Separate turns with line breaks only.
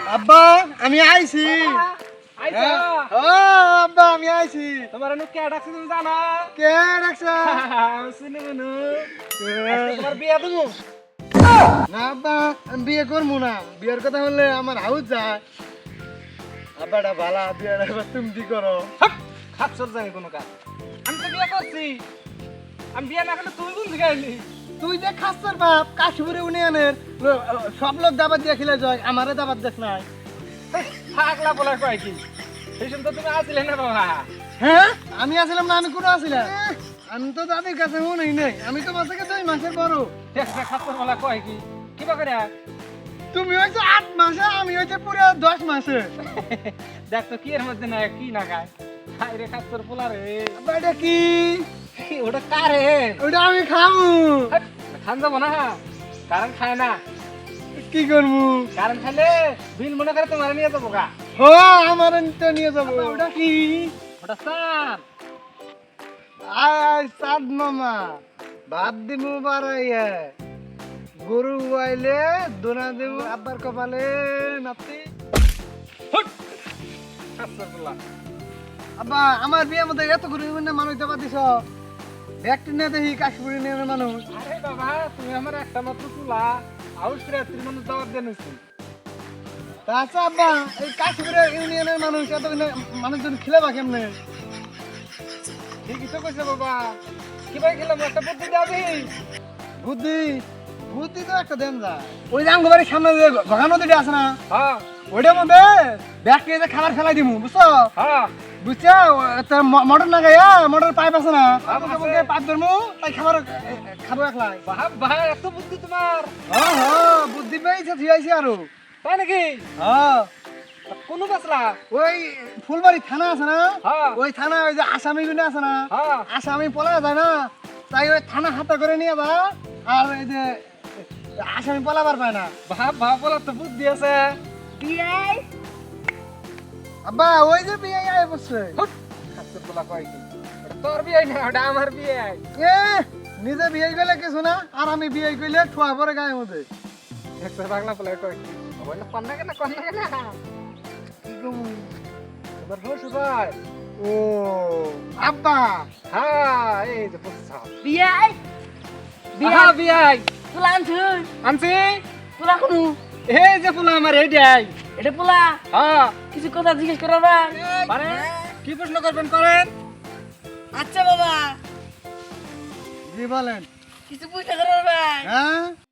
আব্বা আমি আইছি
আইছো
ও আব্বা আমি আইছি
তোমার নু কে ডাকছে তুমি জানা
কে ডাকছা
শুনে মনু তোমার বিয়া তুমি
না আব্বা আমি বিয়ে করবো না বিয়ের কথা বললে আমার হাউস যায় আব্বাটা ভালা বিয়েটা এবার তুমি কি করো
খাপসর জানি কোনো কাজ আমি তো বিয়া করছি আমি বিয়া না করলে তুমি কোন দিকে আইলি
তুই যে খাচ্ছর বাপ কাশিপুরে ইউনিয়নের সব লোক দাবাত দিয়ে খেলে যায় আমারে দাবাত দেখ নাই
থাকলা বলা কয় কি সেই সময় তো তুমি আসলে না বাবা
হ্যাঁ আমি আসলাম না আমি কোনো আসিলাম আমি তো দাদির কাছে মনেই নেই আমি তো মাসে 2 মাসের বড়
দেখছে খাপসর বলা কয় কি কিবা করে
তুমি হয়েছো 8 মাসে আমি হয়েছে পুরো 10 মাসে
দেখ তো কি এর মধ্যে না কি না খায় খাই রে খাপসর পোলা রে
আব্বা এটা কি
ওটা কারে
ওটা আমি খাবো
খান যাবো না কারণ খায় না
কি করবো
কারণ খাইলে বিল মনে করে তোমার নিয়ে যাবো গা
ও আমার তো নিয়ে যাবো ওটা কি
ওটা সার
আয় সাদ মামা ভাত দিমু বাড়াইয়া গরু আইলে দোনা দেব আব্বার কপালে নাতি
খাপসর পোলা
আব্বা আমার বিয়ের মধ্যে এত গরু মানুষ দেবা দিছ একটি না দেখি কাশপুরি নিয়ে মানুষ
আরে বাবা তুমি আমার একটা মাত্র তুলা আউট রাত্রি মানুষ দাওয়াত দেন হইছে
আচ্ছা আব্বা এই কাশপুরে ইউনিয়নের মানুষ এত মানুষজন খেলে বা কেমনে
ঠিকই তো কইছে বাবা কি ভাই খেলাম একটা বুদ্ধি দাবি
বুদ্ধি বুদ্ধি তো একটা দেন যা ওই যে আমগো বাড়ির সামনে যে ঘগা নদীটা আছে না
হ্যাঁ
ওইটার মধ্যে ব্যাগকে যে খাবার ফেলাই দিমু বুঝছো
হ্যাঁ
বুঝছো মোটর না গাইয়া মোটর পাইপ আছে না
আছে।
পাইপ ধরমু তাই খাবার খাবো একলাই
বাপ ভাই এত বুদ্ধি তোমার
হ্যাঁ হ্যাঁ বুদ্ধি পেয়েছে থিয়াইছি আরো
তাই নাকি
হ্যাঁ
কোন বাসলা
ওই ফুলবাড়ি থানা আছে না
হ্যাঁ
ওই থানা ওই যে আসামি গুলো আছে না
হ্যাঁ
আসামি পলা যায় না তাই ওই থানা হাতে করে নিয়ে যা আর এই যে আসামি পলাবার পায় না
বাপ বলার তো বুদ্ধি আছে
বিয়াই আব্বা ওই যে বিয়াই আয় বসছে
খাপসর পোলা কয় কি ওটা তোর বিয়ে না ওটা আমার বিয়ে
এ নিজে বিয়ে করলে কিছু না আর আমি বিয়ে করলে ঠোয়া পরে গায়ে মধ্যে
একটা বাংলা পোলা কয় কি বলে কন্যা কেন
কি কমু?
তোমার শ্বশুর ভাই
ও আব্বা
হ্যাঁ এই যে বুঝছ
বিয়াই
হ্যাঁ বিয়াই
পোলা আনছুন
আনছি
পোলা কোনো
এই যে পোলা আমার এইটাই
এটা পোলা
হ্যাঁ
কিছু কথা জিজ্ঞেস করার বা
মানে কি প্রশ্ন করবেন করেন
আচ্ছা বাবা
জি বলেন
কিছু পয়সা করার ভাই
হ্যাঁ